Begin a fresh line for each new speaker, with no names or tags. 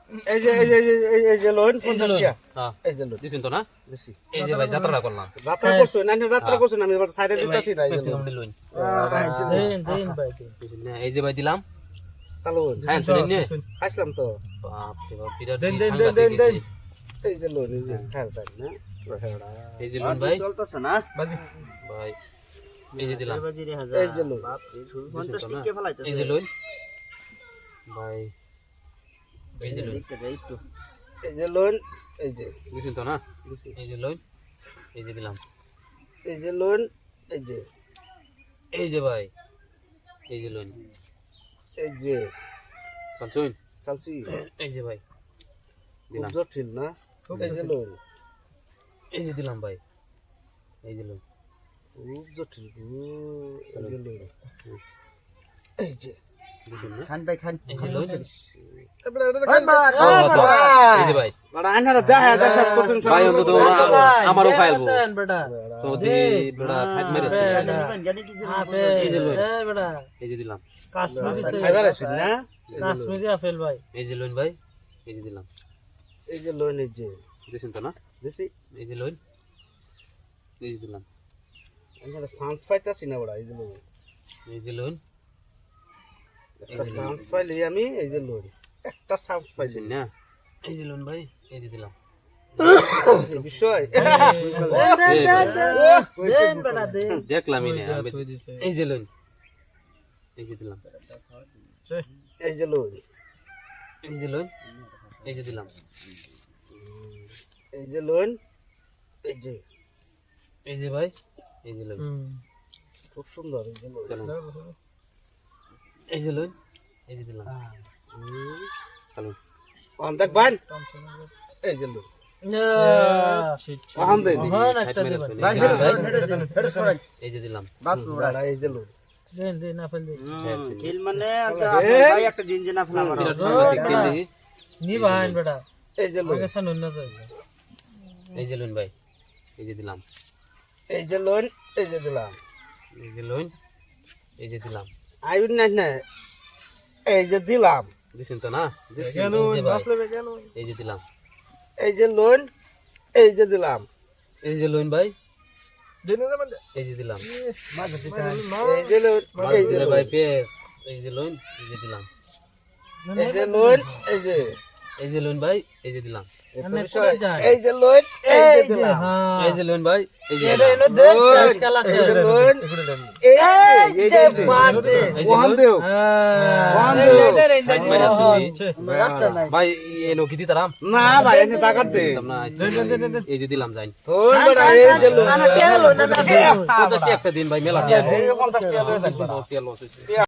এই যে লোন 50 টাকা
হ্যাঁ
এই যে লোন
দিছেন তো না
দিছি
এই যে ভাই যাত্রা করলাম
যাত্রা করছো না যাত্রা করছো না আমি এবার সাইডে দিতাছি না এই যে লোন
লোন
দেন ভাই
এই যে ভাই দিলাম
চালু
হ্যাঁ শুনেন নে
আসলাম তো
বাপ রে বাপ বিরাট
দেন,
সাংঘাতিক
দেন, দেন।
এই যে লোন এই যে খেলতাম না
এই যে লোন ভাই
চলতেছে না
বাজি
ভাই এই যে দিলাম
এই যে লোন
দিছেন তো না? এই যে লোন ভাই এই যে লোন
এই যে লোন এই যে
দিছেন তো না
দিছি
এই যে লোন এই যে দিলাম
এই যে লোন এই যে
এই যে ভাই এই যে লোন
এই যে
চলছুন
চালছি
এই যে ভাই দিলাম
জটিল না এই যে লোন
এই যে দিলাম ভাই এই যে লোন
খুব জটিল এই যে লোন এই যে
দিছেন না
খান ভাই খান
এই যে লোন
এই
এই যে ভাই
বড় আইনারা দেখা দেখা শেষ করছেন
ভাই অন্তত আমারও ফাইলবো
দেন বেটা
তো দি বড় ফাইট মেরে এই যে লোন
বেটা
এই যে দিলাম
কাশ্মীরি
এবার আসুন না
কাশ্মীরি আপেল ভাই
এই যে লোন ভাই এই যে দিলাম
এই যে লোন এই যে
দিছেন তো না
দিছি
এই যে লোন এই যে দিলাম
আইনারা চান্স পাইতাছি না বড় এই যে লোন
এই যে লোন
একটা চান্স পাইলি আমি এই যে লোন একটা চান্স পাইছি
দিছেন না এই যে লোন ভাই এই যে দিলাম
এই বিষয়
দেন বেটা দেন
দেখলামই না এই যে লোন এই যে দিলাম
এই যে লোন
এই যে লোন এই যে দিলাম
এই যে লোন এই যে
এই যে ভাই এই যে লোন
খুব সুন্দর এই যে লোন
চলুন এই যে লোন এই যে দিলাম চলুন
ওখান দেখ ভাই এই যে লোন ওখান দেখ
মহান একটা দিবেন
এই যে দিলাম
বড় এই যে লোন
দেন দেন আপেল দেন
খেল মানে
ভাই একটা দিন যে না ফেলা
বিরাট সাংঘাতিক খেল দেখি
নি ভাই বেটা
এই যে লোন
আগে শুনুন না যাই
এই যে লোন ভাই এই যে দিলাম
এই যে লোন এই যে দিলাম
এই যে লোন এই যে দিলাম
আইন না না এই যে দিলাম
দিছেন তো না দিছি
কেন
এই যে ভাই,
বাসলে কেন
এই যে দিলাম
এই যে লোন এই যে দিলাম
এই যে লোন ভাই
দেন না বন্ধ
এই যে দিলাম
এই যে লোন এই যে
এই যে
লোন
ভাই পেস এই যে লোন এই যে দিলাম
এই যে লোন এই যে
এই যে লোন ভাই এই যে দিলাম
এই যে লোন এই যে দিলাম
হ্যাঁ
এই যে লোন ভাই এই যে
এটা
দিলাম।
এনে দেন শেষ খেলা
এই
শেষ
যে লোন এই যে
বাজে
এই যে
ওখান
লোন।
দেও ওখান দেও
ফাইট মেরে দিছি। ভাই এনো কি দিতাম
না ভাই এনে টাকা দে
দিতাম না এই যে দিলাম যাই
তোর বড় এই যে লোন
50 একটা দিন ভাই মেলা টিয়া
এই 50 টাকা লয়ে থাকবে
তেল লস হইছে